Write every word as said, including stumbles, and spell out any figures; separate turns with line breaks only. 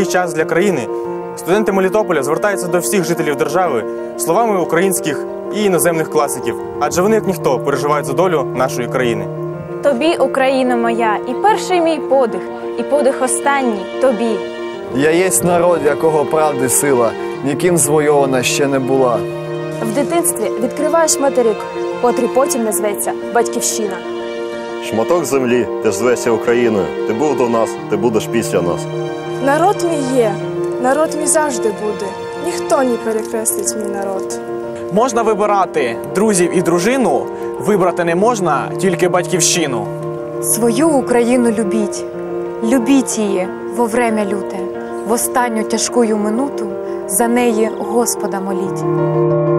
важкий час для країни, студенти Мелітополя звертаються до всіх жителів держави словами українських і іноземних класиків, адже вони, як ніхто, переживають за долю нашої країни.
Тобі, Україно моя, і перший мій подих, і подих останній тобі.
Я єсть народ, якого правди сила, ніким звойована ще не була.
В дитинстві відкриваєш материк, котрий потім назветься Батьківщина.
Шматок землі, ти ж звешся Україною. Ти був до нас, ти будеш після нас.
Народ мій є, народ мій завжди буде. Ніхто не перекреслить мій народ.
Можна вибирати друзів і дружину, вибрати не можна тільки батьківщину.
Свою Україну любіть, любіть її во время люте, в останню тяжкую минуту за неї Господа моліть.